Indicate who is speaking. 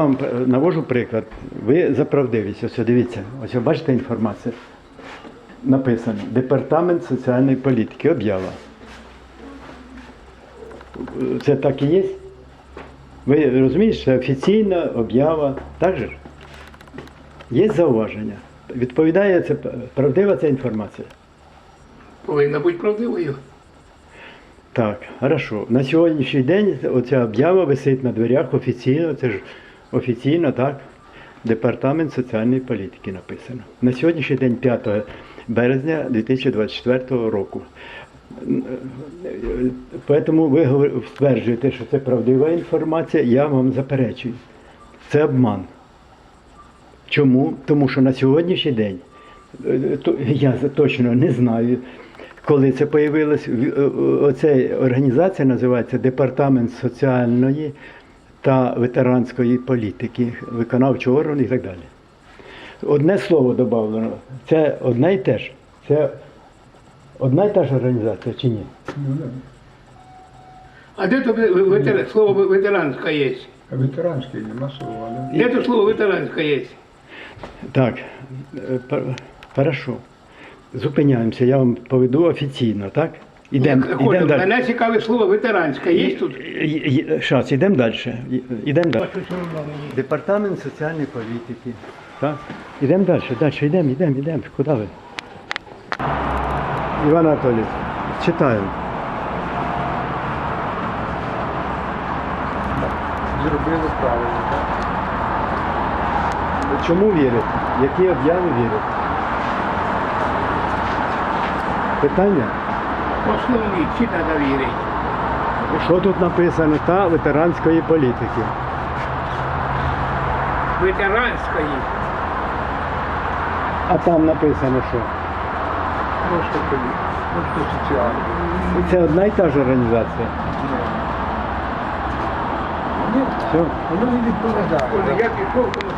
Speaker 1: вам навожу приклад. Ви за правдивість. Ось дивіться, ось бачите інформацію. Написано Департамент соціальної політики. Об'ява. Це так і є? Ви розумієте, це офіційна об'ява. Так же ж? Є зауваження. Відповідає, це правдива ця інформація?
Speaker 2: Повинна бути правдивою.
Speaker 1: Так, хорошо. На сьогоднішній день оця об'ява висить на дверях офіційно, це ж офіційно, так? Департамент соціальної політики написано. На сьогоднішній день 5 березня 2024 року. Тому ви стверджуєте, що це правдива інформація, я вам заперечую. Це обман. Чому? Тому що на сьогоднішній день, я точно не знаю, коли це появилось, оця організація називається Департамент соціальної та ветеранської політики, виконавчого органу і так далі. Одне слово додано, це одне і те ж. Це одна і та ж організація чи ні?
Speaker 2: А де то слово ветеранська є?
Speaker 3: Ветеранський нема слова, да?
Speaker 2: Де то слово ветеранська є?
Speaker 1: Так, хорошо. Зупиняємося, я вам поведу офіційно, так? Ідемо далі.
Speaker 2: Мене цікаве слово ветеранська є тут?
Speaker 1: Щас, ідемо далі. Ідемо далі. Департамент соціальної політики. Так? Ідемо далі, йдемо. Куди ви? Іван Анатолійович, читаємо.
Speaker 3: Зробили правильно, так?
Speaker 1: Чому вірите? Які об'яви вірите? Питання?
Speaker 2: Основні, чи треба вірити?
Speaker 1: Що тут написано? Та ветеранської політики.
Speaker 2: Ветеранської.
Speaker 1: А там написано що?
Speaker 3: Просто соціально.
Speaker 1: Це одна і та ж організація.
Speaker 3: Ні,
Speaker 1: Все.
Speaker 3: воно не відповідає.
Speaker 2: Я пішов,